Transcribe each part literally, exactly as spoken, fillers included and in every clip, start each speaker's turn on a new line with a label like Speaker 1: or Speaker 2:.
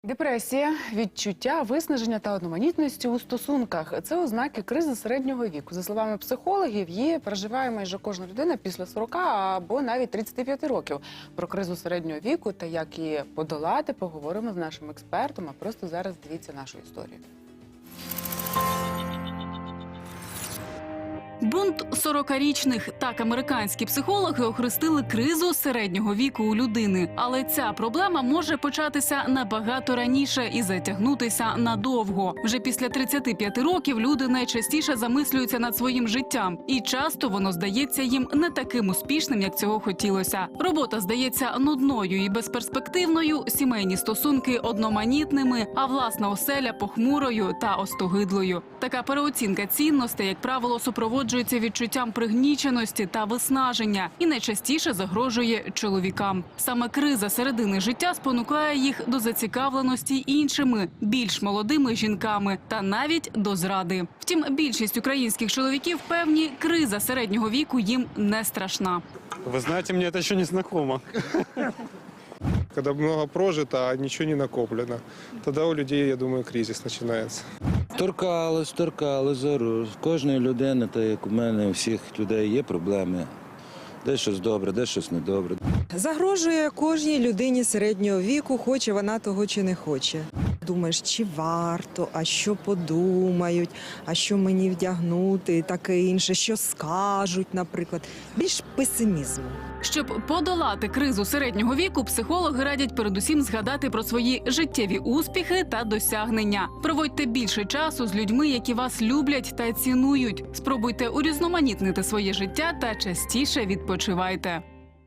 Speaker 1: Депресія, відчуття, виснаження та одноманітності у стосунках – це ознаки кризи середнього віку. За словами психологів, її переживає майже кожна людина після сорока або навіть тридцяти п'яти років. Про кризу середнього віку та як її подолати поговоримо з нашим експертом, а просто зараз дивіться нашу історію.
Speaker 2: Бунт сорокарічних. Так американські психологи охрестили кризу середнього віку у людини. Але ця проблема може початися набагато раніше і затягнутися надовго. Вже після тридцяти п'яти років люди найчастіше замислюються над своїм життям. І часто воно здається їм не таким успішним, як цього хотілося. Робота здається нудною і безперспективною, сімейні стосунки одноманітними, а власна оселя похмурою та остогидлою. Така переоцінка цінностей, як правило, супроводжується відчуттям пригніченості та виснаження і найчастіше загрожує чоловікам. Саме криза середини життя спонукає їх до зацікавленості іншими, більш молодими жінками та навіть до зради. Втім, більшість українських чоловіків певні, криза середнього віку їм не страшна.
Speaker 3: Вы знаете, мне это еще не знакомо. Когда много прожито, а ничего не накоплено, тогда у людей, я думаю, кризис начинается.
Speaker 4: Торкались, торкали зору. В кожної людини, так як у мене, у всіх людей є проблеми. Де щось добре, де щось недобре.
Speaker 5: Загрожує кожній людині середнього віку, хоче вона того чи не хоче. Думаєш, чи варто, а що подумають, а що мені вдягнути і таке інше, що скажуть, наприклад. Більш песимізму.
Speaker 2: Щоб подолати кризу середнього віку, психологи радять передусім згадати про свої життєві успіхи та досягнення. Проводьте більше часу з людьми, які вас люблять та цінують. Спробуйте урізноманітнити своє життя та частіше відпочивайте.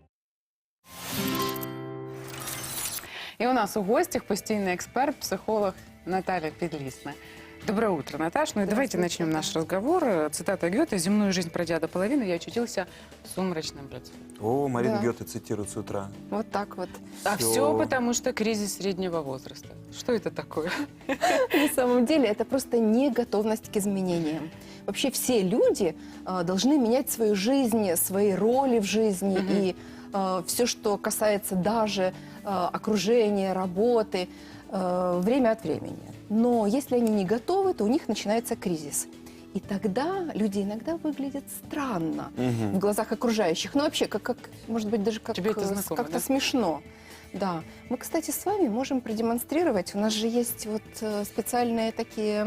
Speaker 1: И у нас у гостях постійный эксперт, психолог Наталья Підлісна. Доброе утро, Наташ. Ну и давайте начнем наш разговор. Цитата Гёте: «Земную жизнь пройдя до половины, я очутился в сумрачном лице».
Speaker 6: О, Марина
Speaker 7: Да.
Speaker 6: Гёте цитирует с утра.
Speaker 7: Вот так вот.
Speaker 1: А
Speaker 6: Всё.
Speaker 1: все потому, что кризис среднего возраста. Что это такое?
Speaker 7: На самом деле это просто неготовность к изменениям. Вообще все люди э, должны менять свою жизнь, свои роли в жизни и э, все, что касается даже э, окружения, работы, э, время от времени. Но если они не готовы, то у них начинается кризис. И тогда люди иногда выглядят странно в глазах окружающих. Ну, вообще, как, как может быть, даже как,
Speaker 1: Тебе это
Speaker 7: э,
Speaker 1: знакомо,
Speaker 7: как-то
Speaker 1: да?
Speaker 7: смешно. Да. Мы, кстати, с вами можем продемонстрировать. У нас же есть вот э, специальные такие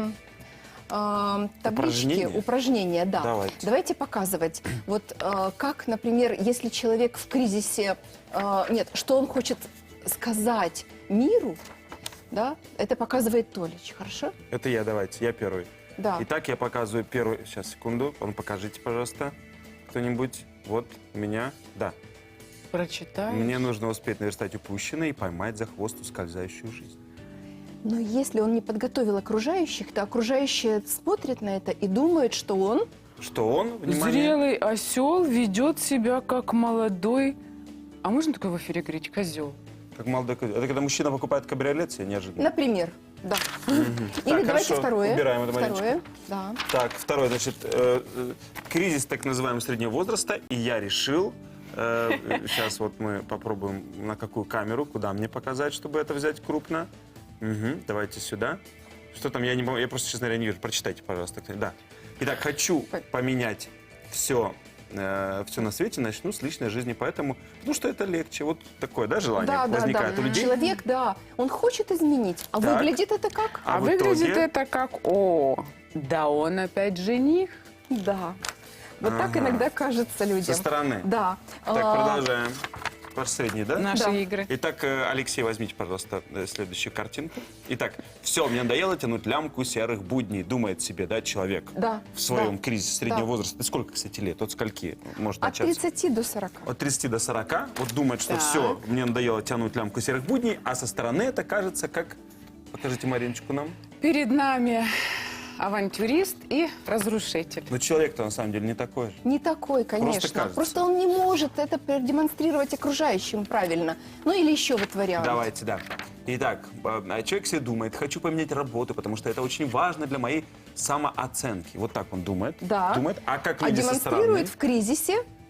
Speaker 7: э, таблички,
Speaker 6: Упражнения?
Speaker 7: упражнения, да.
Speaker 6: Давайте.
Speaker 7: Давайте показывать. Вот э, как, например, если человек в кризисе, э, нет, что он хочет сказать миру, да, это показывает Толич, хорошо?
Speaker 6: Это я, давайте, я первый.
Speaker 7: Да.
Speaker 6: Итак, я показываю первый. Сейчас, секунду. Он покажите, пожалуйста, кто-нибудь. Вот у меня. Да.
Speaker 1: Прочитай.
Speaker 6: Мне нужно успеть наверстать упущенное и поймать за хвост ускользающую жизнь.
Speaker 7: Но если он не подготовил окружающих, то окружающие смотрят на это и думают, что он...
Speaker 6: Что он, внимание,
Speaker 1: Зрелый осел ведет себя как молодой... А можно такое в эфире говорить? Козел.
Speaker 6: как молодой... ко- Это когда мужчина покупает кабриолет себе неожиданно.
Speaker 7: Например, да.
Speaker 6: Мгм.
Speaker 7: Или
Speaker 6: Так,
Speaker 7: давайте
Speaker 6: хорошо,
Speaker 7: второе.
Speaker 6: убираем это
Speaker 7: Второе,
Speaker 6: маленечко.
Speaker 7: да.
Speaker 6: Так, второй, значит, э, э, кризис так называемого среднего возраста, и я решил, э, сейчас вот мы попробуем, на какую камеру, куда мне показать, чтобы это взять крупно. Мгм, давайте сюда. Что там, я не могу, я просто, честно говоря, не вижу. Прочитайте, пожалуйста. Да. Итак, хочу поменять все, э, все на свете, начну с личной жизни, поэтому, ну что это легче, вот такое, да, желание
Speaker 7: Да, да,
Speaker 6: возникает
Speaker 7: да.
Speaker 6: у людей.
Speaker 7: Человек, да, он хочет изменить, а
Speaker 6: Так.
Speaker 7: выглядит это как?
Speaker 1: А,
Speaker 6: А в
Speaker 1: выглядит
Speaker 6: итоге?
Speaker 1: это как: о, да он опять жених.
Speaker 7: Да. Вот так
Speaker 6: Ага.
Speaker 7: иногда кажется людям.
Speaker 6: Со стороны.
Speaker 7: Да.
Speaker 6: Так,
Speaker 7: А,
Speaker 6: продолжаем. Ваш средний, да?
Speaker 1: Наши
Speaker 7: Да.
Speaker 1: игры.
Speaker 6: Итак, э, Алексей, возьмите, пожалуйста, э, следующую картинку. Итак, все, мне надоело тянуть лямку серых будней, думает себе, да, человек
Speaker 7: Да.
Speaker 6: в своем
Speaker 7: да.
Speaker 6: кризисе среднего
Speaker 7: Да.
Speaker 6: возраста. Сколько, кстати, лет? От скольки может
Speaker 7: От
Speaker 6: начаться?
Speaker 7: тридцати до сорока.
Speaker 6: От тридцати до сорока. Вот думает, что
Speaker 1: Так.
Speaker 6: все, мне надоело тянуть лямку серых будней, а со стороны это кажется как... Покажите Мариночку нам.
Speaker 1: Перед нами авантюрист и разрушитель.
Speaker 6: Но человек-то на самом деле не такой же.
Speaker 7: Не такой, конечно.
Speaker 6: кажется.
Speaker 7: Просто он не может это продемонстрировать окружающим правильно. Ну или еще вот вариант.
Speaker 6: Давайте, да. Итак, э, человек себе думает, хочу поменять работу, потому что это очень важно для моей самооценки. Вот так он думает.
Speaker 7: Да.
Speaker 6: Думает. А как
Speaker 7: А
Speaker 6: люди со стороны?
Speaker 7: демонстрирует в кризисе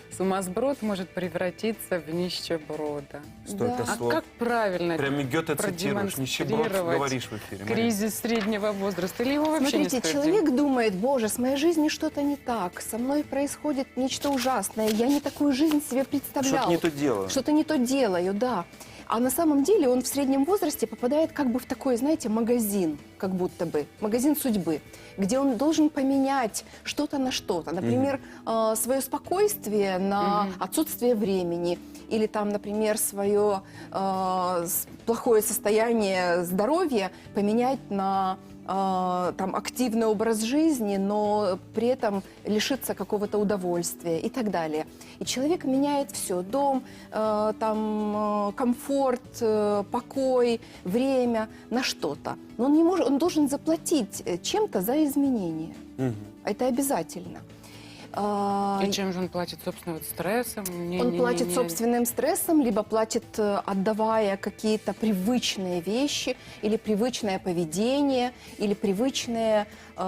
Speaker 1: Сумасброд может превратиться в нищеброда.
Speaker 6: Столько
Speaker 7: Да.
Speaker 1: А
Speaker 6: слов.
Speaker 1: как правильно
Speaker 6: Прям Гёте цитируешь, нищеброд
Speaker 1: продемонстрировать
Speaker 6: говоришь в эфире. Марина.
Speaker 1: кризис среднего возраста? Или его вообще не
Speaker 7: Смотрите,
Speaker 1: стоит
Speaker 7: человек думает, боже, с моей жизнью что-то не так, со мной происходит нечто ужасное, я не такую жизнь себе представлял.
Speaker 6: Что-то не то дело.
Speaker 7: Что-то не то делаю, да. А на самом деле он в среднем возрасте попадает как бы в такой, знаете, магазин, как будто бы, магазин судьбы, где он должен поменять что-то на что-то. Например, э, свое спокойствие на
Speaker 1: Мгм.
Speaker 7: отсутствие времени. Или там, например, свое э, с- плохое состояние здоровья поменять на э, там, активный образ жизни, но при этом лишиться какого-то удовольствия и так далее. И человек меняет все: дом, э, там, э, комфорт, э, покой, время на что-то. Но он не может, он должен заплатить э, чем-то за изменения.
Speaker 6: Мгм.
Speaker 7: Это обязательно. А,
Speaker 1: И чем же он платит, собственно, вот стрессом? Не-
Speaker 7: Он
Speaker 1: не-
Speaker 7: платит
Speaker 1: не-
Speaker 7: собственным стрессом, либо платит, э, отдавая какие-то привычные вещи, или привычное поведение, или привычные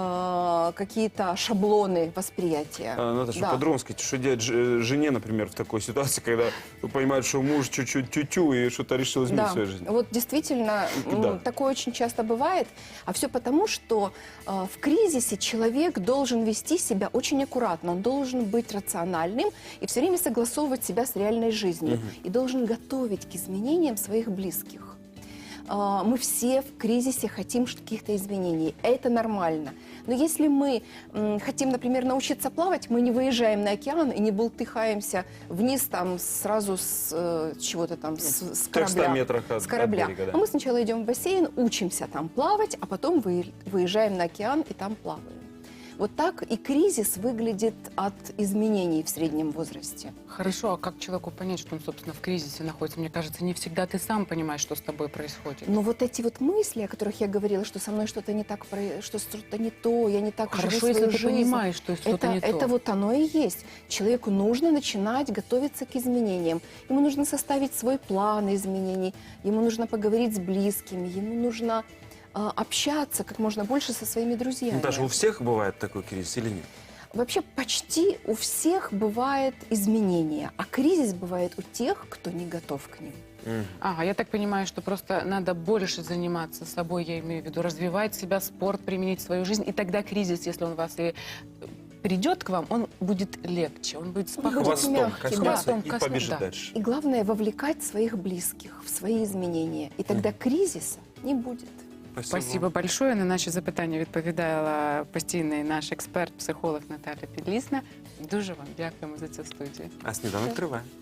Speaker 7: э, какие-то шаблоны восприятия.
Speaker 6: А, Наташа,
Speaker 7: Да.
Speaker 6: по-другому сказать, что делать ж- жене, например, в такой ситуации, когда понимает, что муж чуть-чуть тю-тю и что-то решил изменить в своей жизни?
Speaker 7: Вот действительно, м,
Speaker 6: Да.
Speaker 7: такое очень часто бывает. А все потому, что э, в кризисе человек должен вести себя очень аккуратно. Он должен быть рациональным и все время согласовывать себя с реальной жизнью. И должен готовить к изменениям своих близких. А, Мы все в кризисе хотим ш- каких-то изменений. Это нормально. Но если мы м, хотим, например, научиться плавать, мы не выезжаем на океан и не бултыхаемся вниз там сразу с э, чего-то там, с, с
Speaker 6: В трехстах
Speaker 7: корабля.
Speaker 6: метрах от,
Speaker 7: С
Speaker 6: от
Speaker 7: корабля.
Speaker 6: берега, да.
Speaker 7: А мы сначала идем в бассейн, учимся там плавать, а потом вы- выезжаем на океан и там плаваем. Вот так и кризис выглядит от изменений в среднем возрасте.
Speaker 1: Хорошо, а как человеку понять, что он, собственно, в кризисе находится? Мне кажется, не всегда ты сам понимаешь, что с тобой происходит.
Speaker 7: Но вот эти вот мысли, о которых я говорила, что со мной что-то не так, про- что что-то не то, я не так
Speaker 1: Хорошо,
Speaker 7: живу
Speaker 1: если
Speaker 7: свою
Speaker 1: ты
Speaker 7: жизнь.
Speaker 1: понимаешь, что что-то
Speaker 7: Это,
Speaker 1: не то.
Speaker 7: это вот оно и есть. Человеку нужно начинать готовиться к изменениям. Ему нужно составить свой план изменений, ему нужно поговорить с близкими, ему нужно а, общаться как можно больше со своими друзьями.
Speaker 6: Наташа, у всех бывает такой кризис или нет?
Speaker 7: Вообще почти у всех бывает изменения, а кризис бывает у тех, кто не готов к ним.
Speaker 6: Мгм.
Speaker 1: Ага, я так понимаю, что просто надо больше заниматься собой, я имею в виду, развивать себя, спорт, применить в свою жизнь, и тогда кризис, если он вас и придет к вам, он будет легче, он будет
Speaker 7: Он будет
Speaker 1: спокойнее.
Speaker 6: Хвостом
Speaker 7: мягкий,
Speaker 6: коснется
Speaker 1: да.
Speaker 6: и
Speaker 1: Хвостом коснется,
Speaker 6: побежит
Speaker 1: да.
Speaker 6: дальше.
Speaker 7: И главное вовлекать своих близких в свои изменения, и тогда кризиса не будет.
Speaker 1: Спасибо большое. На наші запитання відповідала постійний наш експерт, психолог Наталя Підлісна. Дуже вам дякуємо за цю студію.
Speaker 6: А сніданок триває.